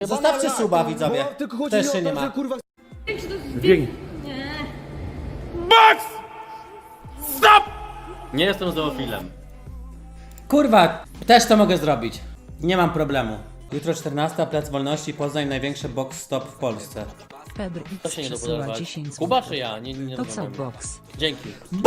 Zostawcie suba, widzowie. Tylko chodzi Też mi o się nie to, ma. że kurwa... Bieg. Nie. Max! Stop! Nie jestem zoofilem. Kurwa, też to mogę zrobić. Nie mam problemu. Jutro 14, Plac Wolności, Poznań, największy box stop w Polsce. Pedro To X się nie da przesyła podobać. 10 Kuba złotych. czy ja? Nie To co rozumiem. box? Dzięki.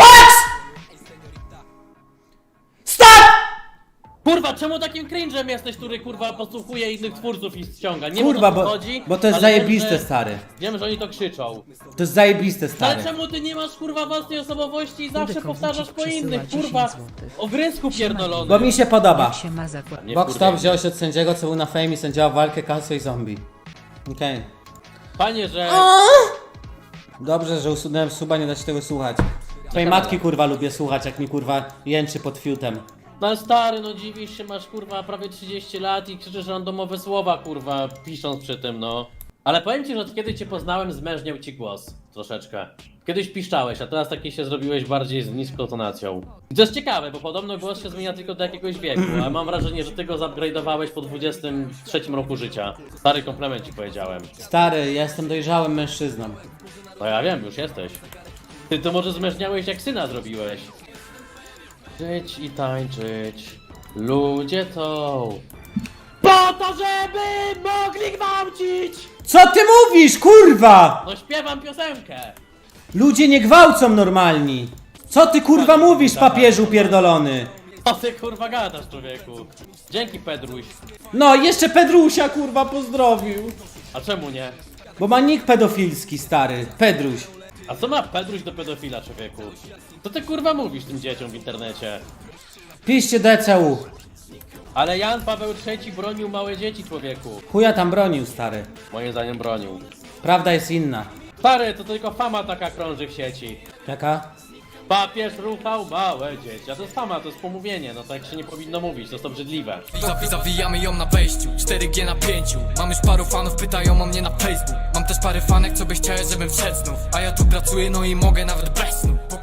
Stop! Kurwa, czemu takim cringe'em jesteś, który kurwa posłuchuje innych twórców i ściąga? Nie Kurwa, wiem, o co bo, chodzi, bo to jest ale zajebiste, wiem, że- stary. Wiem, że oni to krzyczą. To jest zajebiste, Ale stary. czemu ty nie masz kurwa własnej osobowości i zawsze Kurde, powtarzasz po przesyła innych, 10 kurwa? złotych. O grysku pierdolony. Bo mi się podoba. Jak się ma zakład? Nie Box wkurwiaj stop wziął mnie. się od sędziego, co był na fame i sędziował walkę Kaso i zombie. Okej. Panie, że... Dobrze, że usunąłem suba, nie da się tego słuchać. Twojej kanale. matki kurwa lubię słuchać, jak mi kurwa jęczy pod fiutem. No stary, no dziwisz się, masz kurwa prawie 30 lat i krzyczysz randomowe słowa, kurwa, pisząc przy tym, no. Ale powiem ci, że od kiedy cię poznałem, zmężniał ci głos. Troszeczkę. Kiedyś piszczałeś, a teraz taki się zrobiłeś bardziej z niską tonacją. I to jest ciekawe, bo podobno głos się zmienia tylko do jakiegoś wieku, ale mam wrażenie, że ty go zupgrade'owałeś po 23 roku życia. Stary komplement ci powiedziałem. Stary, ja jestem dojrzałym mężczyzną. No ja wiem, już jesteś. Ty to może zmężniałeś jak syna zrobiłeś. Żyć i tańczyć, ludzie to... Po to, żeby mogli gwałcić! Co ty mówisz, kurwa? No śpiewam piosenkę! Ludzie nie gwałcą normalni. Co ty kurwa mówisz, papieżu pierdolony? O ty kurwa gadasz, człowieku. Dzięki, Pedruś. No, jeszcze Pedrusia kurwa pozdrowił. A czemu nie? Bo ma nick pedofilski, stary. Pedruś. A co ma Pedruś do pedofila, człowieku? Co ty kurwa mówisz tym dzieciom w internecie? Piszcie DCU. Ale Jan Paweł III bronił małe dzieci, człowieku. Chuja tam bronił, stary. Moim zdaniem bronił. Prawda jest inna. Stary, to tylko fama taka krąży w sieci. Jaka? Papież ruchał małe dzieci. A to jest fama, to jest pomówienie, no tak się nie powinno mówić, to jest obrzydliwe. Zawijamy ją na wejściu, 4G na 5. Mam już paru fanów, pytają o mnie na Facebook. Mam też parę fanek, co by chciały, żebym wszedł znów. A ja tu pracuję, no i mogę nawet brać snów.